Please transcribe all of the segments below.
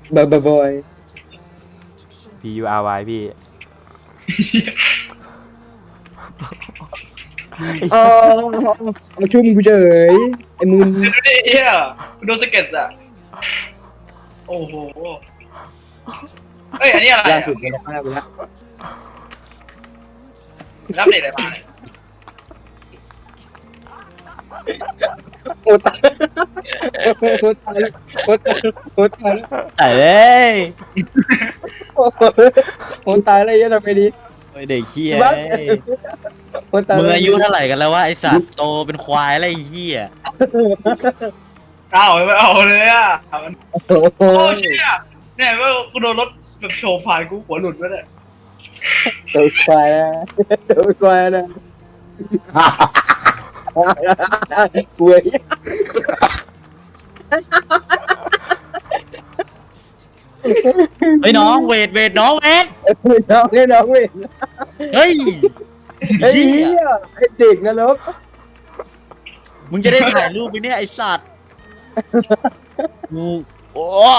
บอย PURY พี่อ๋อเอาชุ่มกูเฉยไอ้มึนดูดิเฮียโดนสเก็ตอะโอ้โหเอ้ยอันนี้อะไรล่าอะสุดไปแล้วไปแล้วรับเด็กอะไรมาเนี่ยโอ้ตายโอ้ตายแล้วโอ้ตายโอ้ตายแล้วไอ้เอ้ยโอ้ตายแล้วยังทำไงดีโอ้ยเด็กเฮียบ้าโอ้ตายมึงอายุเท่าไหร่กันแล้ววะไอสัตว์โตเป็นควายแล้วไอ้เฮียเอาไม่เอาเลยอะโอ้โอ้เชี่ยเนี่ยว่ากูโดนรถแบบโชว์ผ่านกูหัวหลุดไปเลยตัวควายนะตัวควายนะกลัวเฮ้ยน้องเวทน้องเวทน้องนี่น้องเว้ยเฮ้ยไอ้เฮีเหี้ยยไอ้เด็กนรกมึงจะได้ถ่ายรูปไปเนี่ยไอสัตว์กูโอ้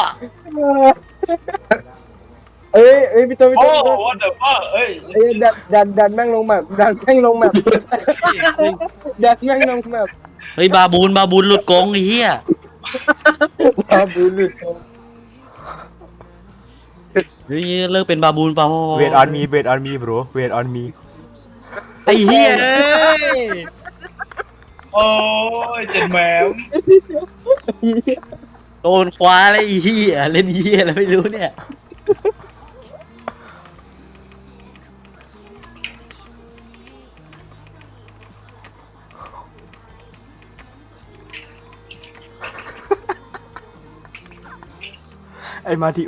เอ้ยพี่โตพี่โอ้โต what the fuck เอ้ยเอ้ยดันแม่งลงแบบดันแม่งลงแบบดันแม่งลงแบบเฮ้ยบาบูนหลุดกรงไอ้เฮียว้าบูลุดเฮ้ยเลิกเป็นบาบูนเปล่า Wait on me wait on me bro wait on me ไอ้เฮียเอ้ยโอ้ยเจ็ดแหมวโดนควายอะไรไอ้เฮียเล่นเฮียอะไรไม่รู้เนี่ยไอ้มาที่